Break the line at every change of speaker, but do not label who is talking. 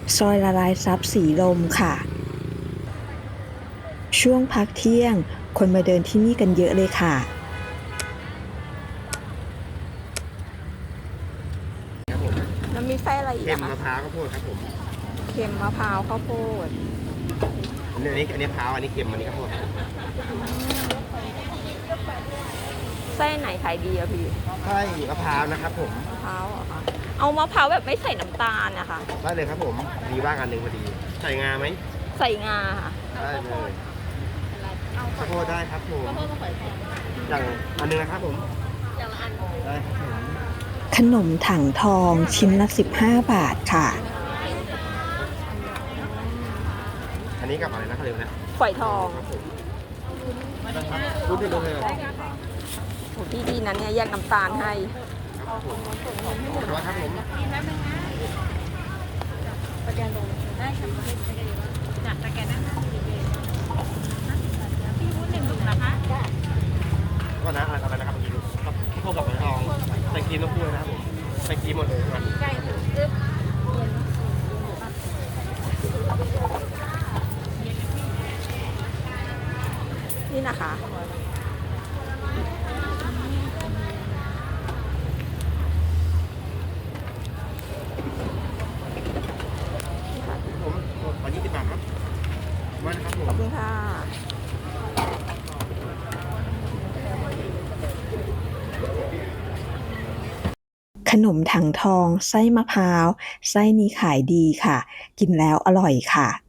ซอยละลายซับสีลมค่ะช่วงพักเที่ยงคนมาเดินที่นี่กันเยอะเลยค่ะ
ครับผม
แล้วมีไส้อะไรอีก
เค็ม
อะ
มะ
คะ
พร้าวข้าวโพดครับผม
เค็มมะพร้าวข้าวโพด
อันนี้มะพร้าวอันนี้เค็มอันนี้ข้าวโพด
ไส้ไหนขายดีอะพี่
ใช่มะพร้าวนะครับผม
มะพร้าวเหรอคะเอามะพร้าวแบบไม่ใส่น้ำตาลนะคะ
ได้เลยครับผมมีว่างอันหนึ่งพอดีใส่งาไหม
ใส่งาค่ะ
ได้เลยข้าวโพดได้ครับผมอย่างอันหนึงนะครับผมได้ครับผม
ขนมถังทองชิ้นละ15 บาทค่ะ
อันนี้กับอะไรนะเขาเรียกนะ
ฝอยทอง
ครับผมรู้ที่รู้เลยครับ
โหพี่ดีนะเนี่ยแยกน้ำตาลให้
ผมขอบคุณครับผมก็นะอะไรนะครับเมื่อกี้ดูครับพวกกับหอยทองใส่ครีมต้องพูดนะครับผมใส่ครีมหมดเลยครับ
นี่นะคะ
ผมขอ20 บาทครับมานะครับผม
ขอบคุณค่ะ
ขนมถังทองไส้มะพร้าวไส้นี้ขายดีค่ะ กินแล้วอร่อยค่ะ